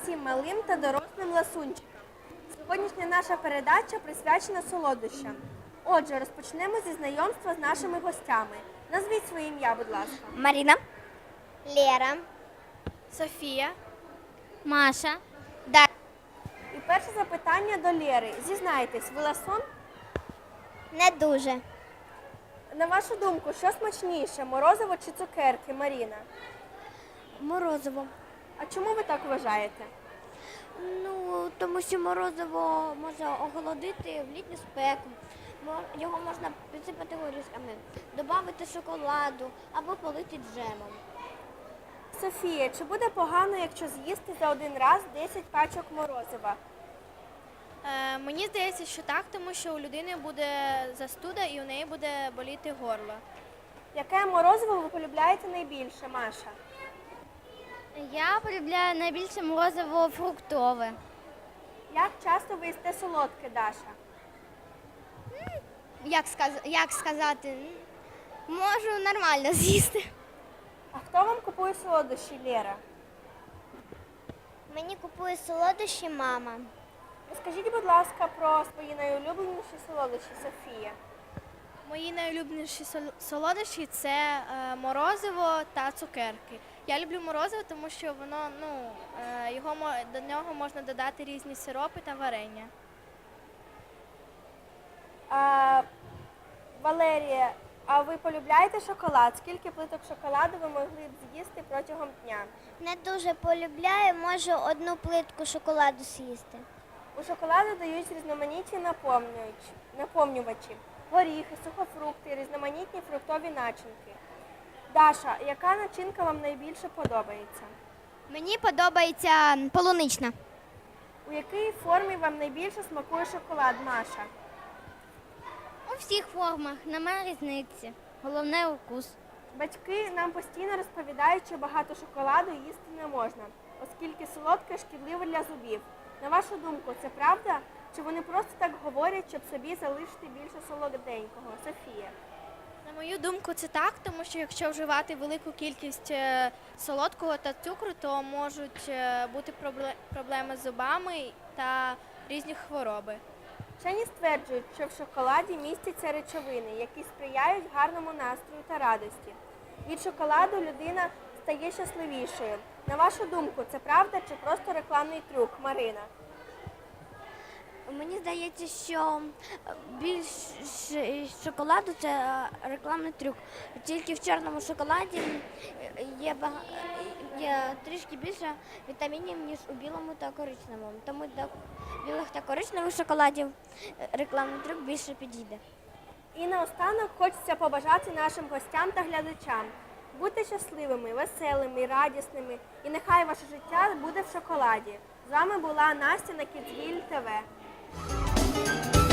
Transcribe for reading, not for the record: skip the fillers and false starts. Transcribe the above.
усім малим та дорослим ласунчикам. Сьогоднішня наша передача присвячена солодощам. Отже, розпочнемо зі знайомства з нашими гостями. Назвіть своє ім'я, будь ласка. Маріна, Лера, Софія. Маша, І перше запитання до Лєри. Зізнайтесь, ви ласун? не дуже. На вашу думку, що смачніше, морозиво чи цукерки, Маріна? морозиво. А чому ви так вважаєте? Ну, тому що морозиво може охолодити в літню спеку. Його можна підсипати горішками, додати шоколаду або полити джемом. Софія, чи буде погано, якщо з'їсти за один раз 10 пачок морозива? Мені здається, що так, тому що у людини буде застуда і у неї буде боліти горло. Яке морозиво ви полюбляєте найбільше, Маша? Я полюбляю найбільше морозиво фруктове. Як часто ви їсте солодке, Даша? Як сказати, можу нормально з'їсти. А хто вам купує солодощі, Лєра? Мені купує солодощі мама. Розкажіть, будь ласка, про свої найулюбленіші солодощі, Софія. Мої найулюбленіші солодощі – це морозиво та цукерки. Я люблю морозиво, тому що воно, до нього можна додати різні сиропи та варення. Валерія, а ви полюбляєте шоколад? Скільки плиток шоколаду ви могли б з'їсти протягом дня? Не дуже полюбляю, можу одну плитку шоколаду з'їсти. У шоколаду дають різноманітні наповнювачі, горіхи, сухофрукти, різноманітні фруктові начинки. Даша, яка начинка вам найбільше подобається? Мені подобається полунична. У якій формі вам найбільше смакує шоколад, Маша? У всіх формах, немає різниці. Головне укус. Батьки нам постійно розповідають, що багато шоколаду їсти не можна, оскільки солодке шкідливе для зубів. На вашу думку, це правда? Чи вони просто так говорять, щоб собі залишити більше солоденького? Софія. На мою думку, це так, тому що якщо вживати велику кількість солодкого та цукру, то можуть бути проблеми з зубами та різні хвороби. Вчені стверджують, що в шоколаді містяться речовини, які сприяють гарному настрою та радості. Від шоколаду людина стає щасливішою. На вашу думку, це правда чи просто рекламний трюк, Марина? Мені здається, що більше шоколаду – це рекламний трюк. Тільки в чорному шоколаді є трішки більше вітамінів, ніж у білому та коричневому. Тому до білих та коричневих шоколадів рекламний трюк більше підійде. І наостанок хочеться побажати нашим гостям та глядачам. Будьте щасливими, веселими, радісними і нехай ваше життя буде в шоколаді. З вами була Настя на Kidsville TV.